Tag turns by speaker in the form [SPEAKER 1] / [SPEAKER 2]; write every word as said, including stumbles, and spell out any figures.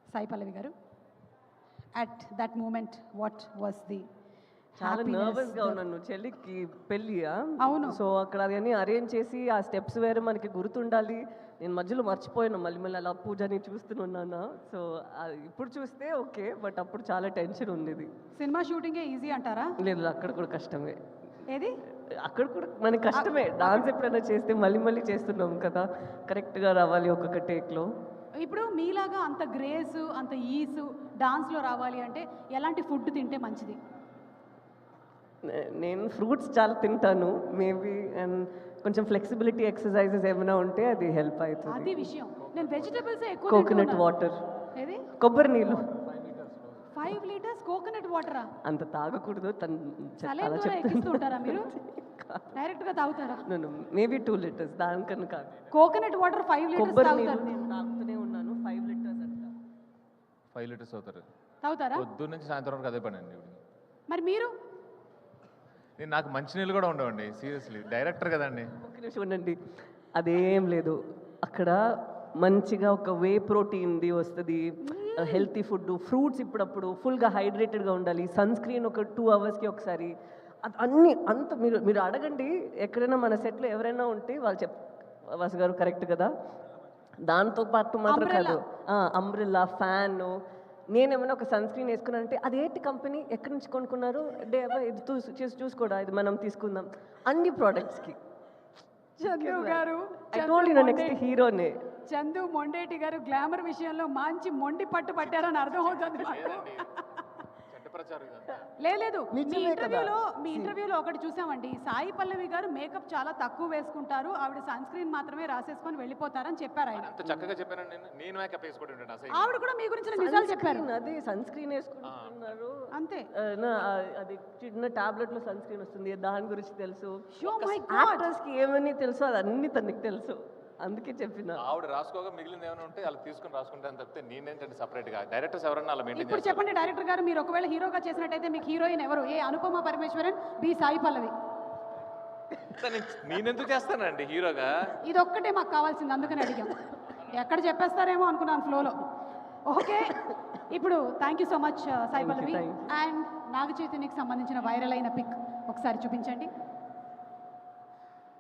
[SPEAKER 1] సాయి పల్లవి గారు, at that moment what was the
[SPEAKER 2] చాలా నర్వస్గా ఉన్నాను. చెల్లికి పెళ్ళియా,
[SPEAKER 1] అవును.
[SPEAKER 2] సో అక్కడ అవన్నీ అరేంజ్ చేసి ఆ స్టెప్స్ వేరే మనకి గుర్తుండాలి. నేను మధ్యలో మర్చిపోయాను, మళ్ళీ మళ్ళీ అలా పూజని చూస్తున్నాను. సో ఇప్పుడు చూస్తే ఓకే, బట్ అప్పుడు చాలా టెన్షన్ ఉండేది.
[SPEAKER 1] సినిమా షూటింగే ఈజీ అంటారా?
[SPEAKER 2] లేదు, అక్కడ కూడా కష్టమే.
[SPEAKER 1] ఏది?
[SPEAKER 2] అక్కడ కూడా మనకి కష్టమే. డాన్స్ ఎప్పుడైనా చేస్తే మళ్ళీ మళ్ళీ చేస్తున్నాం కదా, కరెక్ట్గా రావాలి ఒక్కొక్క టేక్లో.
[SPEAKER 1] ఇప్పుడు మీలాగా అంత గ్రేస్, అంత ఈసు డాన్స్లో రావాలి అంటే ఎలాంటి ఫుడ్ తింటే మంచిది?
[SPEAKER 2] నేను ఫ్రూట్స్ చాలా తింటాను మేబీ, అండ్ కొంచెం ఫ్లెక్సిబిలిటీ ఎక్సర్సైజెస్ ఏమైనా ఉంటే అది హెల్ప్ అవుతుంది.
[SPEAKER 1] అది విషయం. నేను వెజిటబుల్స్ ఎక్కువ
[SPEAKER 2] కోకోనట్ వాటర్,
[SPEAKER 1] ఏది
[SPEAKER 2] కొబ్బరి నీళ్ళు.
[SPEAKER 1] ఫైవ్ లీటర్స్ కోకోనట్ వాటరా?
[SPEAKER 2] అంత తాగకూడదు.
[SPEAKER 1] సలైన్ ద్వారా ఎక్కిస్తుంటారా మీరు? డైరెక్ట్ గా తాగుతారా?
[SPEAKER 2] మేబీ టూ లీటర్స్, దానికన్నా కాదు.
[SPEAKER 1] కోకోనట్ వాటర్ ఫైవ్ లీటర్స్
[SPEAKER 2] కొబ్బరి
[SPEAKER 1] తాగుతారు?
[SPEAKER 2] నేను తాగుతూనే ఉన్నాను. ఫైవ్ లీటర్స్ అంట.
[SPEAKER 3] ఫైవ్ లీటర్స్ అవుతారు.
[SPEAKER 1] తాగుతారా?
[SPEAKER 3] పొద్దు నుంచి సాయంత్రం వరకు అదే పని అండి.
[SPEAKER 1] మరి మీరు?
[SPEAKER 3] నేను నాకు మంచినీళ్ళు కూడా ఉండవండి, సీరియస్లీ. డైరెక్టర్ కదండి.
[SPEAKER 2] ఒక నిమిషం ఉండండి, అదేం లేదు. అక్కడ మంచిగా ఒక వే ప్రోటీన్ది వస్తుంది, హెల్తీ ఫుడ్, ఫ్రూట్స్ ఇప్పుడప్పుడు, ఫుల్గా హైడ్రేటెడ్గా ఉండాలి, సన్ స్క్రీన్ ఒక టూ అవర్స్కి ఒకసారి, అది అన్నీ అంత మీరు మీరు అడగండి ఎక్కడైనా మన సెట్లో ఎవరైనా ఉంటే వాళ్ళు చెప్ వాసు గారు కరెక్ట్ కదా. దాంతో పాటు మాత్రం కాదు, అంబ్రెల్లా, ఫ్యాన్. నేనేమైనా ఒక సన్ స్క్రీన్ వేసుకున్నానంటే అదేంటి కంపెనీ, ఎక్కడి నుంచి కొనుక్కున్నారు, డే ఇది చూసి చూసుకోడా, ఇది మనం తీసుకుందాం, అన్ని ప్రోడక్ట్స్కి.
[SPEAKER 1] చందు గారు,
[SPEAKER 2] నెక్స్ట్ హీరోనే
[SPEAKER 1] చందు మొండేటి గారు గ్లామర్ విషయంలో మంచి మొండి పట్టు పట్టారని అర్థం అవుతుంది. లేదు, మీ ఇంటర్వ్యూలో మీ ఇంటర్వ్యూలో ఒకటి చూసామండి, సాయి పల్లవి గారు మేకప్ చాలా తక్కువ వేసుకుంటారు, ఆవిడ సన్ స్క్రీన్ మాత్రమే రాసేసుకొని వెళ్ళిపోతారని చెప్పారు ఆయన.
[SPEAKER 3] చక్కగా చెప్పాను నేను మేకప్ వేసుకోవడం.
[SPEAKER 1] ఆవిడ కూడా మీ గురించి నిజాలు చెప్పారు.
[SPEAKER 2] అదే సన్ స్క్రీన్ వేసుకుంటున్నారు
[SPEAKER 1] అంతే.
[SPEAKER 2] అది చిన్న టాబ్లెట్ లో సన్ స్క్రీన్ వస్తుంది, దాని గురించి తెలుసు.
[SPEAKER 1] Oh my God.
[SPEAKER 2] యాక్టర్స్ కి ఏమని తెలుసు అది అన్ని తనకి తెలుసు, అందుకే చెప్పిన.
[SPEAKER 3] ఆవిడ రాసుకోగా మిగిలింది ఏమైనా ఉంటే అలా తీసుకుని రాసుకుంటాను తప్పితే నేనేంటంటే సపరేట్ గా డైరెక్టర్స్ ఎవరన్నా అలా మెయింటైన్
[SPEAKER 1] ఇప్పుడు చెప్పండి డైరెక్టర్ గారు, మీరు ఒకవేళ హీరోగా చేసినట్టయితే మీకు హీరోయిన్ ఎవరు? A Anupama Parameswaran, B Sai Pallavi?
[SPEAKER 3] నేనెందుకు చేస్తానండి హీరోగా?
[SPEAKER 1] ఇది ఒక్కటే మాకు కావాల్సింది, అందుకని అడిగాం. ఎక్కడ చెప్పేస్తారేమో అనుకున్నాను ఫ్లోలో. ఓకే, ఇప్పుడు thank you so much Sai Pallavi. And Naga చైతన్యకి సంబంధించిన వైరల్ అయిన పిక్ ఒకసారి చూపించండి.